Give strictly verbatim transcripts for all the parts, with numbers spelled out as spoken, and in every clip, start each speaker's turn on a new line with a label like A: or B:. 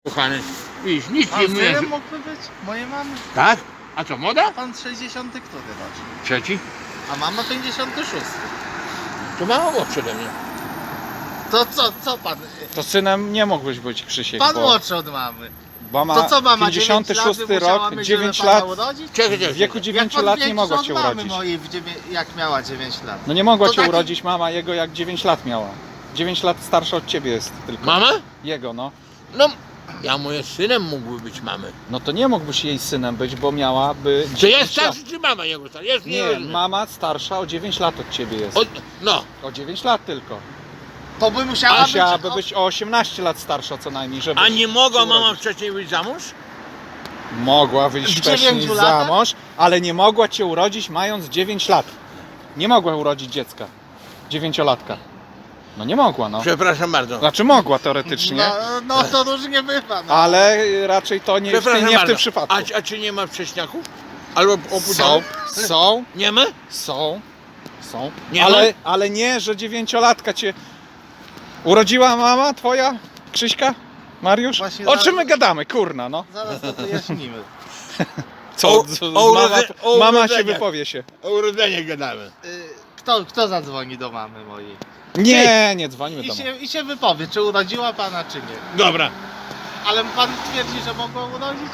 A: Kochany, widzisz, nic nie
B: Pan
A: mówię.
B: synem mógłby być? Mojej mamy?
A: Tak? A co, moda?
B: Pan sześćdziesiąty który rocznik?
A: Trzeci?
B: A mama pięćdziesiąty szósty.
A: To mało było przede mnie.
B: To co, co pan?
C: To synem nie mógłbyś być, Krzysiek,
B: Pan
C: bo,
B: młodszy od mamy.
C: bo ma
B: To co mama,
C: pięćdziesiąty szósty rok, dziewięć lat,
A: Czekaj,
C: w
A: czekaj.
C: wieku
B: Jak
C: dziewięciu
B: pan
C: lat nie
B: większy
C: mogła
B: od
C: cię
B: mamy
C: urodzić.
B: mojej, w dziewię- jak miała dziewięć lat.
C: No nie mogła
B: To
C: cię
B: taki-
C: urodzić mama jego, jak dziewięć lat miała. dziewięć lat starsza od ciebie jest tylko.
A: Mama?
C: Jego, no.
A: No, ja moim synem mógłby być mamy.
C: No to nie mógłbyś jej synem być, bo miałaby
A: Czy
C: dziewięć
A: jest
C: lat.
A: starszy, czy mama jego starsza? Jest
C: Nie,
A: rozumiem.
C: mama starsza o dziewięć lat od ciebie jest.
A: O, no,
C: O dziewięć lat tylko.
B: To by musiała
C: A
B: być...
C: musiałaby być o osiemnaście lat starsza co najmniej, żeby
A: a nie mogła
C: się
A: mama
C: urodzić.
A: wcześniej wyjść za mąż?
C: Mogła wyjść
B: W
C: wcześniej
B: dziewięciu
C: za
B: latach?
C: mąż, ale nie mogła cię urodzić mając dziewięć lat. Nie mogła urodzić dziecka. Dziewięciolatka. No nie mogła, no.
A: Przepraszam bardzo.
C: Znaczy mogła teoretycznie,
B: No, no to różnie bywa. No.
C: ale raczej to nie, w,
A: Przepraszam
C: nie w
A: bardzo.
C: tym przypadku.
A: A, a czy nie ma wcześniaków? Albo
C: Są,
A: opóźnionych?
C: są,
A: Nie ma?
C: są, są,
A: Nie
C: ale,
A: ma?
C: ale nie, że dziewięciolatka cię urodziła mama twoja, Krzyśka, Mariusz?
B: Właśnie
C: O
B: zaraz-
C: czym my gadamy, kurna, no.
B: Zaraz to wyjaśnimy.
C: Co,
A: O-
C: co-
A: o
C: mama,
A: urodze- o
C: mama się
A: urodzeniach.
C: wypowie się.
A: O urodzenie gadamy.
B: Y, Kto, kto zadzwoni do mamy mojej?
C: Nie, nie dzwonimy
B: I
C: do
B: się, I się wypowie, czy urodziła pana, czy nie.
A: Dobra.
B: Ale pan twierdzi, że mogła urodzić?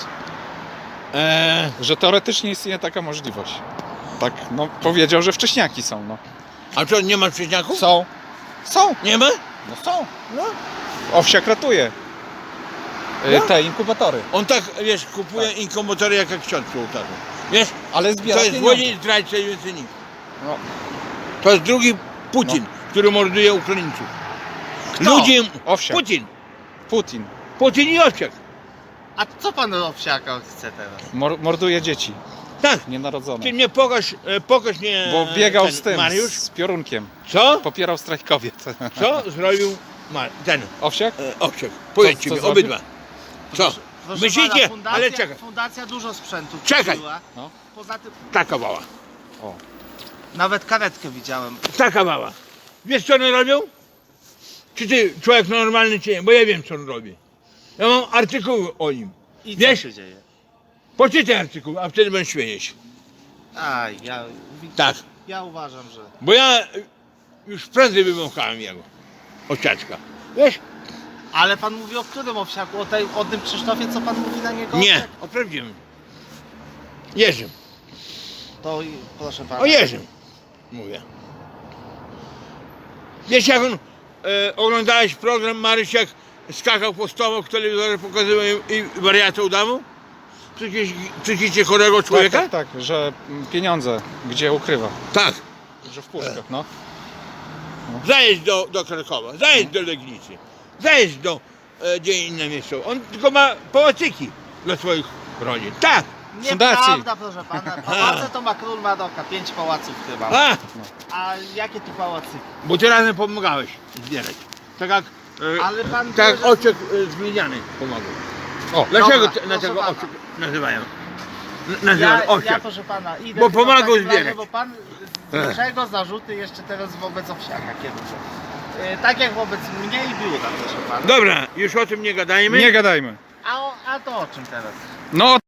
A: Eee,
C: Że teoretycznie istnieje taka możliwość. Tak, no powiedział, że wcześniaki są, no.
A: a co, nie ma wcześniaków?
C: Są. Są.
A: Nie ma?
C: No są. No. Owsiak ratuje. Y,
A: No.
C: Te inkubatory.
A: On tak, wiesz, kupuje inkubatory jak jak ksiądz przy ołtarzu. Wiesz,
C: Ale
A: to
C: zbiera
A: jest
C: pieniądze.
A: złodziej, zdrajca i więcej nic.
C: No.
A: To jest drugi Putin, który morduje Ukraińców.
B: Kto?
A: Ludzie...
C: Owsiak.
A: Putin.
C: Putin.
A: Putin i Owsiak.
B: A co pan owsiaka chce teraz?
C: Mor morduje dzieci
A: Tak.
C: nienarodzone.
A: Ty mnie pokaż, e, pokaż mnie...
C: Bo biegał
A: ten
C: z tym,
A: Mariusz.
C: z piorunkiem.
A: Co?
C: Popierał strajk kobiet.
A: Co zrobił Mar ten
C: Owsiak?
A: e, Owsiak? Powiedz
C: co
A: ci mi,
C: zrobił?
A: obydwa. Co?
B: Proszę
A: Myślicie?
B: pana, fundacja,
A: Ale czekaj.
B: Fundacja dużo sprzętu
A: Czekaj.
B: kupiła.
C: No.
B: Poza tym
A: Taka mała.
C: O.
B: nawet karetkę widziałem.
A: Taka mała. Wiesz co one robią? Czy ty człowiek normalny czy nie? Bo ja wiem co on robi. Ja mam artykuły o nim.
B: I co
A: Wiesz?
B: się dzieje?
A: Poczytaj artykuł, a wtedy będziesz śmiejeć.
B: A, ja,
A: Tak.
B: ja uważam, że...
A: Bo ja już prędzej wymąchałem jego. Owsiaczka. Wiesz?
B: Ale pan mówi o którym owsiaku? O, tej, o tym Krzysztofie, co pan mówi na niego?
A: Nie,
B: owsiak?
A: o prawdziwym. Jerzym.
B: To i- proszę pana.
A: O Jerzym. Mówię. Wiesz jak on, e, oglądałeś program Maryś jak skakał po stołu w telewizorze, pokazywał i, i wariata udawał? Przecież, przecież chorego
C: Tak,
A: człowieka?
C: tak, tak, że mm, pieniądze gdzie ukrywa.
A: Tak.
C: Że w puszkach, no.
A: Zajedź do, do Krakowa, zajedź do Legnicy, zajedź do e, gdzie inne miejsce. On tylko ma pałacyki dla swoich rodzin. Tak.
C: fundacji.
B: Nieprawda, proszę pana. Pałace to ma król Maroka. Pięć pałaców chyba.
A: A,
B: A jakie tu pałacy?
A: bo ty razem pomagałeś zbierać. Tak jak, e,
B: Ale pan
A: tak jak
B: wie, że-
A: Oczek e, z Gliniany pomagał.
C: O,
A: Dlaczego
B: Dobra,
A: te,
B: proszę
A: dlaczego
B: pana.
A: Oczek nazywają? N- Nazywają
B: Ja, ja
A: Owsiak.
B: proszę pana idę
A: Bo
B: tylko w
A: pomagał
B: takim razie,
A: zbierać.
B: Bo pan z czego zarzuty jeszcze teraz wobec owsiaka kieruje? Yy, tak jak wobec mnie i biura, proszę pana.
A: Dobra, już o tym nie gadajmy.
C: nie gadajmy.
B: A, o, a to o czym teraz?
C: No